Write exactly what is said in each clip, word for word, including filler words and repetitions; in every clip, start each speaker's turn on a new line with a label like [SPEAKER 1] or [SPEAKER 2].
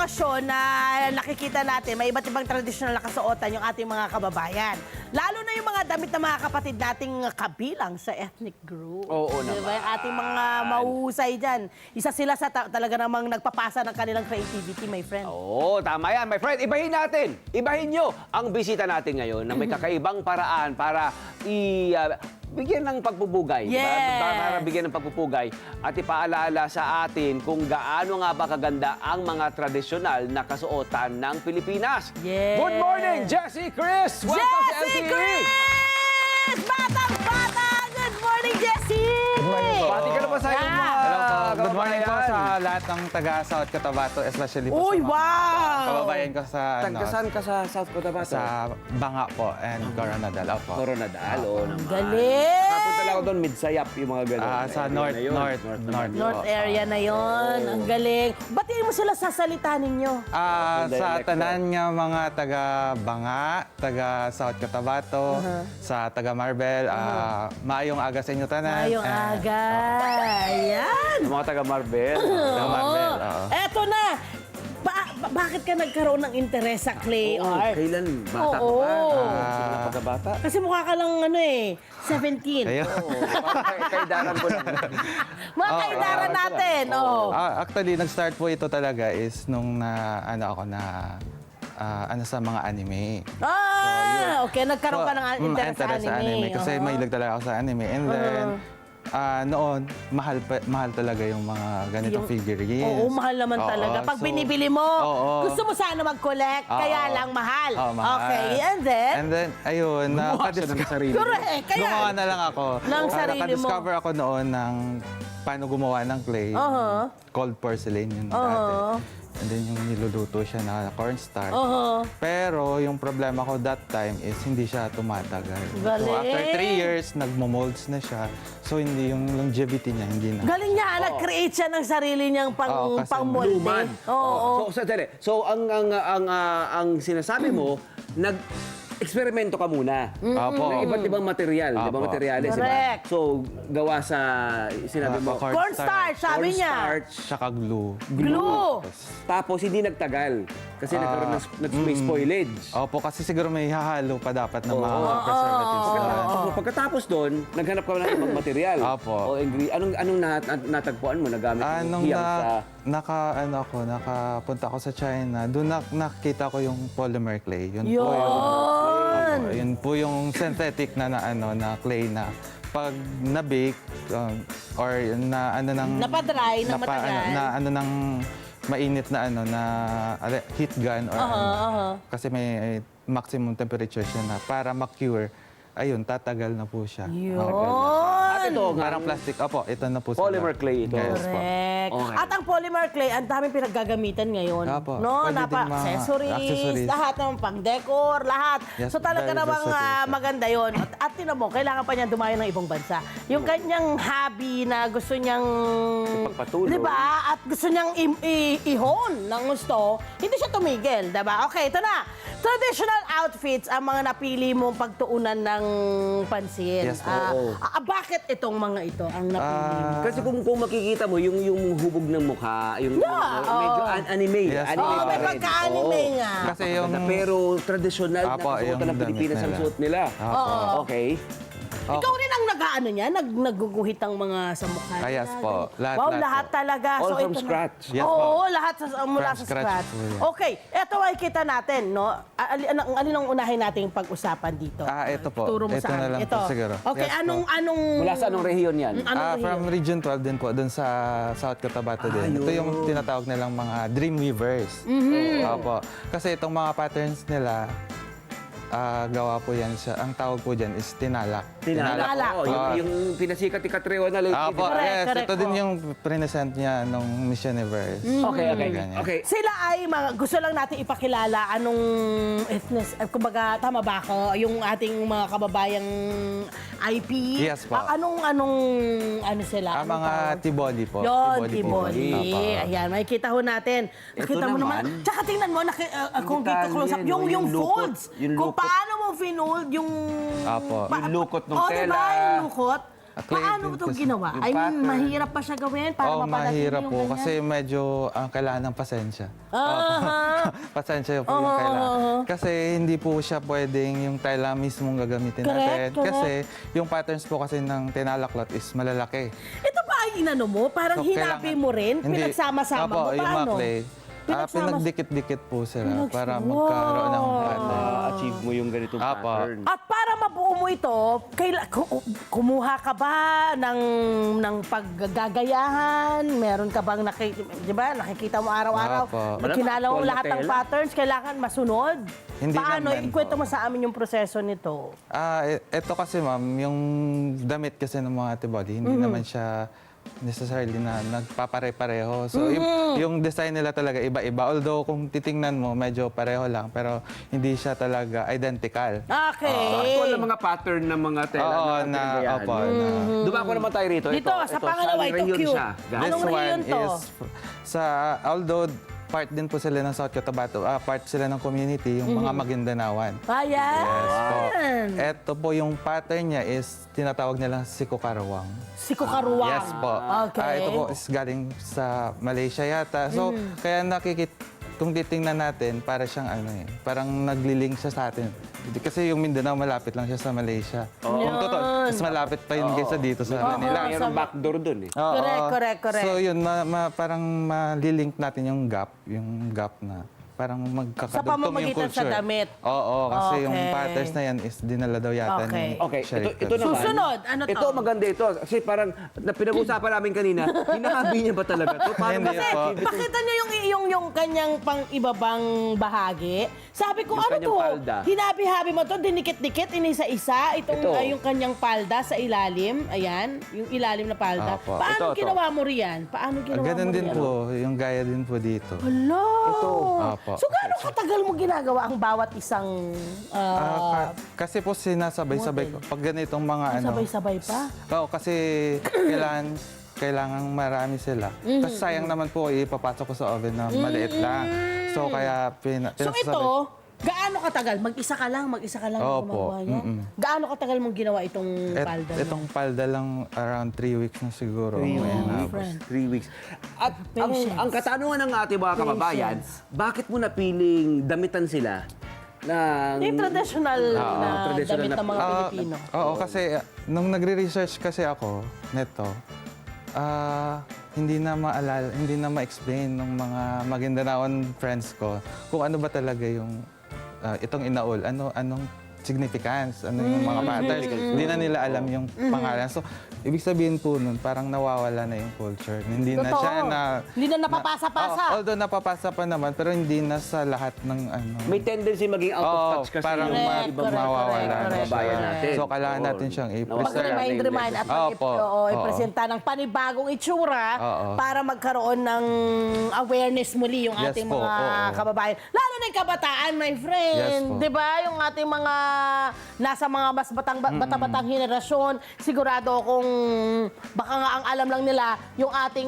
[SPEAKER 1] okasyon na nakikita natin, may iba't ibang tradisyonal na kasuotan yung ating mga kababayan. Lalo na yung mga damit ng mga kapatid nating kabilang sa ethnic group.
[SPEAKER 2] Oo
[SPEAKER 1] Diba?
[SPEAKER 2] naman.
[SPEAKER 1] Yung ating mga mahuhusay dyan. Isa sila sa ta- talaga namang nagpapasa ng kanilang creativity, my friend.
[SPEAKER 2] Oo, tama yan, my friend. Ibahin natin. Ibahin nyo ang bisita natin ngayon na may kakaibang paraan para i... uh, bigyan ng pagpupugay.
[SPEAKER 1] Yes.
[SPEAKER 2] Diba? Para bigyan ng pagpupugay at ipaalala sa atin kung gaano nga ba kaganda ang mga tradisyonal na kasuotan ng Pilipinas.
[SPEAKER 1] Yes.
[SPEAKER 2] Good morning, Jessie Chris! Welcome sa L T
[SPEAKER 1] Jessie
[SPEAKER 2] E!
[SPEAKER 1] Chris! Batang-bata! Good morning, Jessie! Good morning po.
[SPEAKER 2] Bati ka na ba sa iyong mga
[SPEAKER 3] Hello po. Good morning po
[SPEAKER 2] kababayan?
[SPEAKER 3] sa lahat ng taga South Cotabato, especially po
[SPEAKER 1] Uy,
[SPEAKER 3] sa mga
[SPEAKER 1] wow!
[SPEAKER 3] kababayan ko sa ano,
[SPEAKER 2] Tagkasan ka sa South Cotabato?
[SPEAKER 3] sa Banga po and Coronadal po.
[SPEAKER 2] Coronadal, oo naman.
[SPEAKER 1] Galing!
[SPEAKER 2] Kapunta lang ako doon, Midsayap, yung mga ganun.
[SPEAKER 3] Ah, sa
[SPEAKER 2] Area
[SPEAKER 3] north,
[SPEAKER 2] na yun.
[SPEAKER 3] north,
[SPEAKER 2] naman.
[SPEAKER 3] north.
[SPEAKER 1] North
[SPEAKER 3] po.
[SPEAKER 1] area na yon. Ang galing. Batiin mo sila sa salita ninyo.
[SPEAKER 3] Ah,
[SPEAKER 2] Yung
[SPEAKER 3] sa
[SPEAKER 2] dialect
[SPEAKER 3] tanan nga mga taga Banga, taga South Cotabato, sa taga Marbel, ah, maayong aga sa inyo tanan.
[SPEAKER 1] Ngayong
[SPEAKER 3] And-
[SPEAKER 1] aga. Ayan.
[SPEAKER 2] Yung mga taga Marbel.
[SPEAKER 3] Taga Marbel,
[SPEAKER 1] Oo.
[SPEAKER 3] oo.
[SPEAKER 1] Eto na. Ba- ba- bakit ka nagkaroon ng interes sa clay
[SPEAKER 2] Oo,
[SPEAKER 1] art?
[SPEAKER 2] kailan? Bata ka
[SPEAKER 1] Oo.
[SPEAKER 2] pa?
[SPEAKER 3] Ah.
[SPEAKER 2] Sige na pagkabata?
[SPEAKER 1] Kasi mukha ka lang ano eh, seventeen.
[SPEAKER 3] Ayun.
[SPEAKER 2] Oo, parang kay, kaidaran ko lang.
[SPEAKER 1] Mga
[SPEAKER 3] Oo.
[SPEAKER 1] kaidaran natin. Oh.
[SPEAKER 3] Ah, actually, nag-start po ito talaga is nung na, ano ako na, ah, ano sa mga anime.
[SPEAKER 1] Ah, okay. Nagkaroon ka ng
[SPEAKER 3] Mm,
[SPEAKER 1] interes sa
[SPEAKER 3] interest
[SPEAKER 1] anime.
[SPEAKER 3] Kasi
[SPEAKER 1] Oo.
[SPEAKER 3] mahilig talaga ako sa anime. And then, ah, noon, mahal pa- mahal talaga yung mga ganitong
[SPEAKER 1] Yung-
[SPEAKER 3] figurines.
[SPEAKER 1] Oo, mahal naman
[SPEAKER 3] Oo,
[SPEAKER 1] talaga. Pag
[SPEAKER 3] so-
[SPEAKER 1] binibili mo,
[SPEAKER 3] Oo.
[SPEAKER 1] gusto mo sana mag-collect,
[SPEAKER 3] Oo.
[SPEAKER 1] kaya lang mahal.
[SPEAKER 3] Oo, mahal.
[SPEAKER 1] Okay, and then?
[SPEAKER 3] And then, ayun,
[SPEAKER 2] Gumawa siya ng
[SPEAKER 3] nakadiscover.
[SPEAKER 2] sarili.
[SPEAKER 1] Correct, kaya.
[SPEAKER 3] Gumawa na lang ako.
[SPEAKER 1] Ng
[SPEAKER 3] Ah,
[SPEAKER 1] sarili mo.
[SPEAKER 3] Nakadiscover ako noon ng paano gumawa ng clay.
[SPEAKER 1] Uh-huh.
[SPEAKER 3] Cold porcelain yun
[SPEAKER 1] Oo.
[SPEAKER 3] dati. And then yung niluluto siya na cornstarch.
[SPEAKER 1] Oo.
[SPEAKER 3] Pero yung problema ko that time is hindi siya tumatagal.
[SPEAKER 1] Galing.
[SPEAKER 3] So after three years, nagmo-molds na siya. So hindi yung longevity niya, hindi na.
[SPEAKER 1] Galing niya, nag-create siya ng sarili niyang pang,
[SPEAKER 3] Oo, kasi
[SPEAKER 1] pang-molde.
[SPEAKER 2] Luman.
[SPEAKER 1] Oo.
[SPEAKER 2] So, sandali. So, ang, ang, ang, ah, ang sinasabi mo, nag... Eksperimento ka muna.
[SPEAKER 3] Opo.
[SPEAKER 2] Ng iba't ibang material, di ba?
[SPEAKER 3] Apo.
[SPEAKER 2] Materyales, di ba?
[SPEAKER 1] Correct.
[SPEAKER 2] So, gawa sa, sinabi mo,
[SPEAKER 3] Corn-
[SPEAKER 1] Cornstarch, sabi niya.
[SPEAKER 2] cornstarch,
[SPEAKER 3] Tsaka glue.
[SPEAKER 1] Glue.
[SPEAKER 2] tapos hindi nagtagal. Kasi
[SPEAKER 3] Ah,
[SPEAKER 2] nagkaroon ng, ng may spoilage.
[SPEAKER 3] Opo, kasi siguro may hahalo pa dapat ng mga
[SPEAKER 2] Oo.
[SPEAKER 3] preservatives na.
[SPEAKER 2] So, pagkatapos doon, naghanap ka ng ibang material.
[SPEAKER 3] Apo.
[SPEAKER 2] O ingre- anong anong nat- nat- natagpuan mo? Nagamit mo
[SPEAKER 3] Anong
[SPEAKER 2] hiyang
[SPEAKER 3] na,
[SPEAKER 2] sa...
[SPEAKER 3] naka, ano ako, nakapunta ako sa China, doon na, nakita ko yung polymer clay. Yun, po yung,
[SPEAKER 1] Yun.
[SPEAKER 3] Opo, yun po yung synthetic na, na, ano, na clay na pag na-bake um, or na ano ng...
[SPEAKER 1] Napadry ng
[SPEAKER 3] napa-
[SPEAKER 1] matagal.
[SPEAKER 3] Ano, na ano ng mainit na ano na ale- heat gun or
[SPEAKER 1] Aha,
[SPEAKER 3] ano.
[SPEAKER 1] aha.
[SPEAKER 3] Kasi may maximum temperature siya na para ma-cure. Ayun, tatagal na po siya.
[SPEAKER 1] Yun.
[SPEAKER 2] At ito, nga,
[SPEAKER 3] Parang plastic. Opo, ito na po.
[SPEAKER 2] Polymer
[SPEAKER 3] sila.
[SPEAKER 2] clay ito.
[SPEAKER 3] Yes po.
[SPEAKER 1] Correct.
[SPEAKER 2] Okay.
[SPEAKER 1] At ang polymer clay, ang daming pinaggagamitan ngayon.
[SPEAKER 3] Apo.
[SPEAKER 1] No,
[SPEAKER 3] Pwede
[SPEAKER 1] napa
[SPEAKER 3] din mga
[SPEAKER 1] accessories,
[SPEAKER 3] accessories.
[SPEAKER 1] lahat ng pang-decor, lahat.
[SPEAKER 3] Yes,
[SPEAKER 1] so talaga
[SPEAKER 3] very
[SPEAKER 1] namang
[SPEAKER 3] versatile
[SPEAKER 1] ah,
[SPEAKER 3] siya.
[SPEAKER 1] maganda yon. At, at tinan mo, kailangan pa niya dumayo ng ibang bansa. Yung kanyang hobby na gusto niyang...
[SPEAKER 2] Ipagpatuloy.
[SPEAKER 1] Di ba? At gusto niyang i- i- i-hone ng gusto, hindi siya tumigil. Di ba? Okay, ito na. Traditional outfits ang mga napili mong pagtuunan ng pansin.
[SPEAKER 3] Yes, po.
[SPEAKER 1] Ah,
[SPEAKER 2] Oo.
[SPEAKER 1] ah, bakit itong mga ito ang napili mo?
[SPEAKER 3] Ah,
[SPEAKER 2] Kasi kung, kung makikita mo, yung, yung hubog ng mukha, yung,
[SPEAKER 1] Yeah,
[SPEAKER 2] yung medyo
[SPEAKER 1] oo.
[SPEAKER 2] an- anime.
[SPEAKER 3] Yes,
[SPEAKER 2] anime
[SPEAKER 1] Oo,
[SPEAKER 2] pa
[SPEAKER 1] may
[SPEAKER 2] rin.
[SPEAKER 1] pagka-anime
[SPEAKER 2] Oo.
[SPEAKER 1] nga.
[SPEAKER 3] Kasi yung...
[SPEAKER 2] Pero traditional na
[SPEAKER 3] Apo,
[SPEAKER 2] kasuotan
[SPEAKER 3] yung
[SPEAKER 2] ng
[SPEAKER 3] damit
[SPEAKER 2] Pilipinas ang
[SPEAKER 3] nila.
[SPEAKER 2] suot nila.
[SPEAKER 3] Apo.
[SPEAKER 2] Okay.
[SPEAKER 1] Ikaw rin ang nag-ano niya, nag nagguguhit ng mga sa mukha.
[SPEAKER 3] Ah, yes
[SPEAKER 1] nila,
[SPEAKER 3] po.
[SPEAKER 1] ganun.
[SPEAKER 3] Lahat,
[SPEAKER 1] wow,
[SPEAKER 3] lahat
[SPEAKER 1] lahat
[SPEAKER 3] po.
[SPEAKER 1] talaga.
[SPEAKER 2] All
[SPEAKER 1] so,
[SPEAKER 2] from
[SPEAKER 1] ito na-
[SPEAKER 2] scratch.
[SPEAKER 3] Yes po.
[SPEAKER 1] Oo, lahat sa, mula
[SPEAKER 3] From
[SPEAKER 1] sa
[SPEAKER 3] scratch
[SPEAKER 1] scratch.
[SPEAKER 3] po yan.
[SPEAKER 1] Okay, ito ay kita natin, no? Ali, anong, alin ang unahin nating pag-usapan dito?
[SPEAKER 3] Ah, ito po.
[SPEAKER 1] Turo mo
[SPEAKER 3] Ito
[SPEAKER 1] sa
[SPEAKER 3] na
[SPEAKER 1] amin.
[SPEAKER 3] lang po
[SPEAKER 1] Ito.
[SPEAKER 3] siguro.
[SPEAKER 1] Okay,
[SPEAKER 3] Yes po.
[SPEAKER 1] anong, anong...
[SPEAKER 2] Mula sa anong rehiyon yan?
[SPEAKER 1] Anong
[SPEAKER 3] Ah,
[SPEAKER 1] rehiyon?
[SPEAKER 3] from Region twelve din po, dun sa South Cotabato
[SPEAKER 2] Ah,
[SPEAKER 3] din. Ito
[SPEAKER 2] yun.
[SPEAKER 3] yung tinatawag nilang mga dream weavers.
[SPEAKER 1] Mm-hmm.
[SPEAKER 3] Opo. Kasi itong mga patterns nila, ah, gawa po yan siya. Ang tawag po dyan is tinalak.
[SPEAKER 2] Tinalak.
[SPEAKER 1] Tinalak.
[SPEAKER 2] Oo, yung,
[SPEAKER 3] Ah.
[SPEAKER 2] yung pinasikat ni Catriona lately.
[SPEAKER 3] Opo,
[SPEAKER 2] di ba?
[SPEAKER 1] Correct,
[SPEAKER 3] yes.
[SPEAKER 1] correct
[SPEAKER 3] Ito din
[SPEAKER 1] po.
[SPEAKER 3] yung present niya nung Miss Universe.
[SPEAKER 2] Okay, okay.
[SPEAKER 3] Ganyan.
[SPEAKER 2] Okay.
[SPEAKER 1] Sila ay mga, gusto lang natin ipakilala anong ethnic, eh, kumbaga, tama ba ako, yung ating mga kababayang I P?
[SPEAKER 3] Yes po.
[SPEAKER 1] Ah, anong, anong, ano sila?
[SPEAKER 3] Ah,
[SPEAKER 1] Anong
[SPEAKER 3] mga
[SPEAKER 1] tawag?
[SPEAKER 3] Tiboli po.
[SPEAKER 1] Yon,
[SPEAKER 3] po.
[SPEAKER 1] Tiboli.
[SPEAKER 3] Opo.
[SPEAKER 1] Ayan, makikita ho natin.
[SPEAKER 2] Ito
[SPEAKER 1] Nakita mo naman.
[SPEAKER 2] naman.
[SPEAKER 1] Tsaka tingnan mo, naki, uh, uh, kung dito
[SPEAKER 2] detalye,
[SPEAKER 1] close up,
[SPEAKER 2] no?
[SPEAKER 1] yung, yung,
[SPEAKER 2] Yung lukot,
[SPEAKER 1] folds.
[SPEAKER 2] yung
[SPEAKER 1] Kung
[SPEAKER 2] lukot.
[SPEAKER 1] paano mo finold yung...
[SPEAKER 3] Opo.
[SPEAKER 1] Pa-
[SPEAKER 2] Yung lukot ng
[SPEAKER 1] oh,
[SPEAKER 2] tela.
[SPEAKER 1] diba? Yung lukot.
[SPEAKER 3] Ah, clay
[SPEAKER 1] Paano
[SPEAKER 3] din
[SPEAKER 1] ito
[SPEAKER 3] po siya.
[SPEAKER 1] ginawa?
[SPEAKER 2] Yung
[SPEAKER 1] I mean,
[SPEAKER 2] pattern.
[SPEAKER 1] mahirap pa siya gawin para
[SPEAKER 3] Oo,
[SPEAKER 1] mapadating
[SPEAKER 3] mahirap
[SPEAKER 1] yung
[SPEAKER 3] po
[SPEAKER 1] ganyan?
[SPEAKER 3] kasi medyo ang kailangan ng pasensya.
[SPEAKER 1] Aha.
[SPEAKER 3] Pasensya po yung
[SPEAKER 1] Oo,
[SPEAKER 3] kailangan.
[SPEAKER 1] oo.
[SPEAKER 3] Kasi hindi po siya pwedeng yung tela mismong gagamitin
[SPEAKER 1] Correct,
[SPEAKER 3] natin.
[SPEAKER 1] correct.
[SPEAKER 3] Kasi yung patterns po kasi ng tinalaklot is malalaki.
[SPEAKER 1] Ito ba ay inano mo? Parang
[SPEAKER 3] So,
[SPEAKER 1] hinabi
[SPEAKER 3] kailangan-
[SPEAKER 1] mo rin?
[SPEAKER 3] Hindi.
[SPEAKER 1] Pinagsama-sama
[SPEAKER 3] Opo,
[SPEAKER 1] mo?
[SPEAKER 3] yung mga
[SPEAKER 1] Paano?
[SPEAKER 3] clay. Ah,
[SPEAKER 1] Pinagsama-
[SPEAKER 3] pinagdikit-dikit po sila
[SPEAKER 1] Pinags-
[SPEAKER 3] para magkaroon ng
[SPEAKER 1] Wow.
[SPEAKER 3] pattern.
[SPEAKER 2] Na-achieve mo yung ganitong
[SPEAKER 3] Apa.
[SPEAKER 2] pattern.
[SPEAKER 1] At para mabuo mo ito, kaila, ku- kumuha ka ba ng, ng paggagayahan? Meron ka bang naki, di ba, nakikita mo araw-araw?
[SPEAKER 3] Opo.
[SPEAKER 1] Pag kinala mo
[SPEAKER 2] Malamang
[SPEAKER 1] lahat ng
[SPEAKER 2] actual na
[SPEAKER 1] patterns, kailangan masunod?
[SPEAKER 3] Hindi
[SPEAKER 1] Paano?
[SPEAKER 3] naman
[SPEAKER 1] Ikwento
[SPEAKER 3] po.
[SPEAKER 1] mo sa amin yung proseso nito.
[SPEAKER 3] Ah, e- eto kasi ma'am, yung damit kasi ng mga antibody, hindi
[SPEAKER 1] Mm-hmm.
[SPEAKER 3] naman siya necessarily na nagpapare-pareho. So, yung,
[SPEAKER 1] Mm-hmm.
[SPEAKER 3] yung design nila talaga iba-iba. Although, kung titingnan mo, medyo pareho lang. Pero, hindi siya talaga identical.
[SPEAKER 1] Okay.
[SPEAKER 2] So, actual na mga pattern ng mga tela
[SPEAKER 3] Oo,
[SPEAKER 2] na
[SPEAKER 3] na,
[SPEAKER 2] pinagayahan.
[SPEAKER 3] opo, na.
[SPEAKER 2] Dumako naman tayo rito.
[SPEAKER 1] Dito, sa pangalawa,
[SPEAKER 2] saan
[SPEAKER 1] ito
[SPEAKER 2] rehiyon
[SPEAKER 1] cute.
[SPEAKER 2] siya? Guys?
[SPEAKER 1] Anong
[SPEAKER 3] This
[SPEAKER 1] rehiyon
[SPEAKER 3] one
[SPEAKER 1] to?
[SPEAKER 3] is sa, although part din po sila ng South Cotabato, ah, part sila ng community, yung mga Magindanawan.
[SPEAKER 1] Ayan.
[SPEAKER 3] Yes po. Ito po yung pattern niya is tinatawag nilang Sikukarawang.
[SPEAKER 1] Si Kukaruwang.
[SPEAKER 3] Yes po.
[SPEAKER 1] Okay.
[SPEAKER 3] Ah, ito po is galing sa Malaysia yata. So, kaya nakikit kung titingnan natin, para siyang ano eh, parang naglilink siya sa atin. Kasi yung Mindanao, malapit lang siya sa Malaysia. Kung totoo, mas malapit pa yun kaysa dito sa Manila.
[SPEAKER 2] Mayroong backdoor dun eh.
[SPEAKER 3] Oo.
[SPEAKER 1] Correct, correct, correct.
[SPEAKER 3] So yun, ma, ma- parang malilink natin yung gap, yung gap na parang magkakadugtong yung
[SPEAKER 1] pamamagitan
[SPEAKER 3] culture.
[SPEAKER 1] sa damit.
[SPEAKER 3] Oo, kasi yung
[SPEAKER 1] Okay.
[SPEAKER 3] patterns na yan is dinala daw yata
[SPEAKER 1] Okay.
[SPEAKER 3] ni
[SPEAKER 2] Okay, ito,
[SPEAKER 3] Sheriff
[SPEAKER 2] ito
[SPEAKER 3] Cavite.
[SPEAKER 2] naman.
[SPEAKER 1] Susunod, ano to?
[SPEAKER 2] Ito, maganda ito. Kasi parang, na pinag-usapan namin kanina, hinahabi niya ba talaga to? Paano
[SPEAKER 3] Hindi
[SPEAKER 2] ba?
[SPEAKER 3] po.
[SPEAKER 1] Pakita niyo yung, yung, yung kanyang pang ibabang bahagi. Sabi ko,
[SPEAKER 2] Yung
[SPEAKER 1] ano
[SPEAKER 2] kanyang
[SPEAKER 1] to?
[SPEAKER 2] palda.
[SPEAKER 1] Hinabi-habi mo to, dinikit-dikit, inisa-isa. Itong
[SPEAKER 2] Ito.
[SPEAKER 1] ay, yung kanyang palda sa ilalim. Ayan, yung ilalim na palda.
[SPEAKER 3] Apo.
[SPEAKER 1] Paano
[SPEAKER 2] Ito, ito.
[SPEAKER 1] ginawa mo riyan? Paano
[SPEAKER 3] Ah,
[SPEAKER 1] ginawa
[SPEAKER 3] ganun
[SPEAKER 1] mo
[SPEAKER 3] din
[SPEAKER 1] riyan?
[SPEAKER 3] po, yung gaya din po dito.
[SPEAKER 1] Hello!
[SPEAKER 2] Ito.
[SPEAKER 3] Apo.
[SPEAKER 1] So, gaano katagal mo ginagawa ang bawat isang ah,
[SPEAKER 3] Ah, ka- kasi po sinasabay-sabay ko. Pag ganitong mga ano.
[SPEAKER 1] sabay-sabay pa?
[SPEAKER 3] Oo, kasi kailangan kailangan marami sila.
[SPEAKER 1] Mm-hmm.
[SPEAKER 3] Kasi sayang naman po ipapasok ko sa oven na maliit lang. So kaya pina,
[SPEAKER 1] So
[SPEAKER 3] pinasasabay-
[SPEAKER 1] ito, gaano katagal? Mag-isa ka lang, mag-isa ka lang
[SPEAKER 3] Opo,
[SPEAKER 1] gumagawa niya?
[SPEAKER 3] mm-mm.
[SPEAKER 1] Gaano katagal mong ginawa itong
[SPEAKER 3] Et-
[SPEAKER 1] palda?
[SPEAKER 3] itong palda lang around three weeks na siguro.
[SPEAKER 2] Three
[SPEAKER 3] May
[SPEAKER 2] weeks.
[SPEAKER 3] inabot.
[SPEAKER 1] friend.
[SPEAKER 2] Three weeks. At ang,
[SPEAKER 1] Patience.
[SPEAKER 2] ang katanungan ng ating mga kababayan,
[SPEAKER 1] Patience.
[SPEAKER 2] bakit mo napiling damitan sila ng...
[SPEAKER 1] Yung traditional na
[SPEAKER 2] traditional
[SPEAKER 1] damit
[SPEAKER 2] na-
[SPEAKER 1] ng mga
[SPEAKER 3] Ah,
[SPEAKER 1] Pilipino.
[SPEAKER 3] Oo, kasi ah, nung nagre-research kasi ako neto, ah hindi na maalala, hindi na ma-explain ng mga Magindanaon friends ko kung ano ba talaga yung ah, itong inaul, ano anong significance, ano yung mga patterns. Hindi na nila alam yung pangalan. So, ibig sabihin po nun, parang nawawala na yung culture. Hindi na
[SPEAKER 1] Totoo.
[SPEAKER 3] siya na...
[SPEAKER 1] Hindi na napapasa-pasa.
[SPEAKER 3] Oo, although napapasa pa naman, pero hindi na sa lahat ng ano.
[SPEAKER 2] May tendency maging out of
[SPEAKER 3] Oo,
[SPEAKER 2] touch kasi
[SPEAKER 3] parang
[SPEAKER 2] yung mga
[SPEAKER 1] Correct,
[SPEAKER 2] ibang
[SPEAKER 1] correct,
[SPEAKER 3] mawawala
[SPEAKER 1] correct,
[SPEAKER 3] na
[SPEAKER 1] correct,
[SPEAKER 2] kababayan
[SPEAKER 1] correct.
[SPEAKER 2] natin.
[SPEAKER 3] So, kailangan natin siyang i-preserve.
[SPEAKER 1] Mag-remind, remind at mag
[SPEAKER 3] Opo.
[SPEAKER 1] oo,
[SPEAKER 3] Oo.
[SPEAKER 1] ipresenta ng panibagong itsura
[SPEAKER 3] Oo.
[SPEAKER 1] para magkaroon ng awareness muli yung
[SPEAKER 3] Yes
[SPEAKER 1] ating
[SPEAKER 3] po,
[SPEAKER 1] mga
[SPEAKER 3] oo.
[SPEAKER 1] kababayan. Lalo na yung kabataan, my friend.
[SPEAKER 3] Yes po.
[SPEAKER 1] Di ba? Yung ating mga nasa mga mas batang, bata-batang henerasyon, sigurado akong baka nga ang alam lang nila yung ating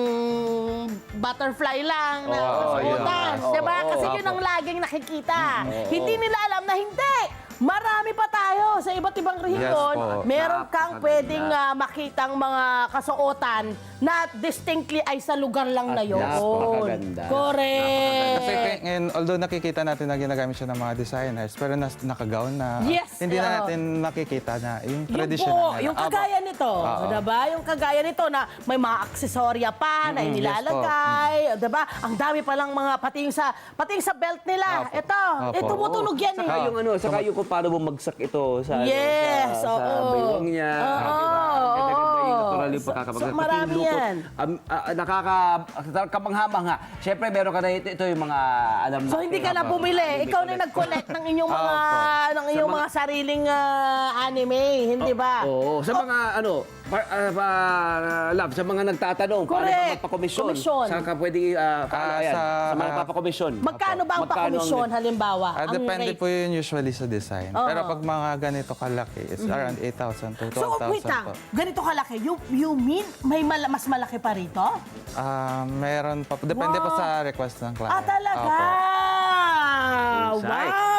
[SPEAKER 1] butterfly lang na
[SPEAKER 3] Oo,
[SPEAKER 1] kasuotan.
[SPEAKER 2] yun.
[SPEAKER 1] Di ba?
[SPEAKER 2] Oo,
[SPEAKER 1] Kasi
[SPEAKER 3] oo.
[SPEAKER 1] yun ang laging nakikita. Hindi nila alam na hindi. Marami pa tayo sa iba't ibang rehiyon.
[SPEAKER 3] po.
[SPEAKER 1] Meron kang
[SPEAKER 2] Napakaganda.
[SPEAKER 1] pwedeng ah, makitang mga kasuotan na distinctly ay sa lugar lang na yun.
[SPEAKER 2] napakaganda.
[SPEAKER 1] Correct.
[SPEAKER 3] Kasi kay- ngayon, although nakikita natin na ginagamit siya ng mga designers, pero nas, nakagaon na,
[SPEAKER 1] Yes,
[SPEAKER 3] hindi na
[SPEAKER 1] oo.
[SPEAKER 3] natin nakikita na yung
[SPEAKER 1] Yung
[SPEAKER 3] traditional
[SPEAKER 1] po,
[SPEAKER 3] nila.
[SPEAKER 1] yung
[SPEAKER 3] Aba,
[SPEAKER 1] kagaya nito,
[SPEAKER 3] Oo.
[SPEAKER 1] diba? Yung kagaya nito na may mga aksesorya pa na
[SPEAKER 3] Mm,
[SPEAKER 1] inilalagay, diba? Ang dami pa lang mga pati yung sa pati yung sa belt nila.
[SPEAKER 3] Opo.
[SPEAKER 1] Ito,
[SPEAKER 3] Opo.
[SPEAKER 1] ito tumutunog yan
[SPEAKER 2] Saka
[SPEAKER 1] eh.
[SPEAKER 2] yung ano, saka yung kung paano bumagsak ito sa, ano,
[SPEAKER 1] Yes,
[SPEAKER 2] sa, sa
[SPEAKER 1] oo.
[SPEAKER 2] baywang niya.
[SPEAKER 1] Oo,
[SPEAKER 2] Di ba? Ang ganda-ganda yung
[SPEAKER 1] oo.
[SPEAKER 2] natural yung
[SPEAKER 1] So-
[SPEAKER 2] pagkakabagsak.
[SPEAKER 1] so
[SPEAKER 2] Pati yung
[SPEAKER 1] marami
[SPEAKER 2] lukot,
[SPEAKER 1] yan.
[SPEAKER 2] um, ah, nakaka, kamangha-mangha. Siyempre, meron ka na ito, ito yung mga alam
[SPEAKER 1] So hindi ka na bumili, ikaw na nag-collect ng inyong mga ng inyong mga sariling ah, anime, hindi ba?
[SPEAKER 2] Oo, sa mga ano, par, ah, pa- love, sa mga nagtatanong, paano
[SPEAKER 1] Correct.
[SPEAKER 2] ba magpakomisyon?
[SPEAKER 1] Komisyon.
[SPEAKER 2] Saan ka pwede, uh, paano
[SPEAKER 3] Ah,
[SPEAKER 2] yan? Sa,
[SPEAKER 3] sa-
[SPEAKER 2] mga papakomisyon.
[SPEAKER 1] Magkano ba ang
[SPEAKER 2] Magkano ang-
[SPEAKER 1] pakomisyon halimbawa?
[SPEAKER 3] Ah,
[SPEAKER 1] ang
[SPEAKER 3] depende
[SPEAKER 1] rate?
[SPEAKER 3] po yun usually sa design.
[SPEAKER 1] Oo.
[SPEAKER 3] Pero pag mga ganito kalaki, it's around eight thousand to
[SPEAKER 1] So
[SPEAKER 3] twelve thousand
[SPEAKER 1] wait lang,
[SPEAKER 3] po.
[SPEAKER 1] ganito kalaki, you, you mean may mala- mas malaki pa rito?
[SPEAKER 3] Ah, meron pa. po. Depende po
[SPEAKER 1] Wow.
[SPEAKER 3] sa request ng client.
[SPEAKER 1] Ah, talaga?
[SPEAKER 3] Opo.
[SPEAKER 2] Insight.
[SPEAKER 1] Wow!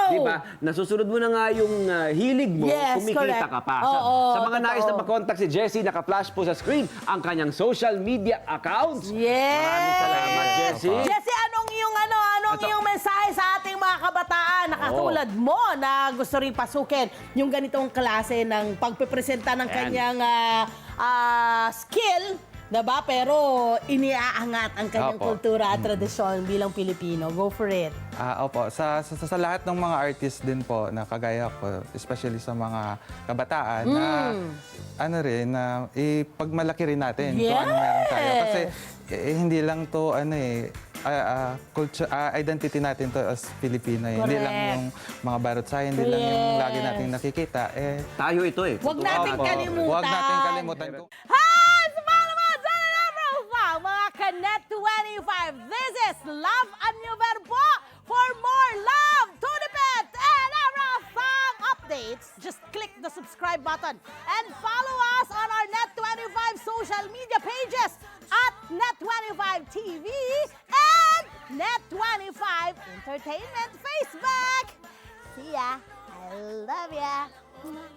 [SPEAKER 2] Di ba? Nasusunod mo na nga yung ah, hilig mo,
[SPEAKER 1] Yes,
[SPEAKER 2] kumikita
[SPEAKER 1] correct.
[SPEAKER 2] ka pa. Sa,
[SPEAKER 1] Oo,
[SPEAKER 2] sa mga nais na
[SPEAKER 1] totoo.
[SPEAKER 2] mag-contact si Jessie, naka-flash po sa screen ang kanyang social media accounts.
[SPEAKER 1] Yes!
[SPEAKER 2] Maraming salamat, Jessie.
[SPEAKER 1] Jessie, anong iyong ano, anong
[SPEAKER 2] Ito.
[SPEAKER 1] iyong mensahe sa ating mga kabataan na katulad mo na gusto rin pasukin yung ganitong klase ng pagpipresenta ng
[SPEAKER 2] Ayan.
[SPEAKER 1] kanyang ah, ah, skill, diba? Pero iniaangat ang kanyang
[SPEAKER 3] Opo.
[SPEAKER 1] kultura at tradisyon bilang Pilipino. Go for it.
[SPEAKER 3] Ah, opo. Sa, sa, sa lahat ng mga artist din po na kagaya ko, especially sa mga kabataan, na ano rin, na ipagmalaki rin natin kung ano meron tayo.
[SPEAKER 1] Yes!
[SPEAKER 3] Kasi eh, hindi lang to ano eh, ah, ah, culture, ah, identity natin to as Filipino. Eh. Hindi lang
[SPEAKER 1] Correct.
[SPEAKER 3] yung mga barot sa hindi lang yung
[SPEAKER 1] Yes.
[SPEAKER 3] lagi nating nakikita. Eh,
[SPEAKER 2] Tayo ito eh.
[SPEAKER 1] Huwag
[SPEAKER 2] Totoo.
[SPEAKER 1] nating
[SPEAKER 3] opo.
[SPEAKER 1] kalimutan.
[SPEAKER 3] Huwag natin kalimutan. Kung,
[SPEAKER 1] Hi! Sa mga naman, sa Profile, mga Kanet twenty-five. This is Love and New Verbo. For more love, Tunipet, and Arafang updates, just click the subscribe button and follow us on our Net twenty-five social media pages at Net twenty-five T V and Net twenty-five Entertainment Facebook. See ya. I love ya.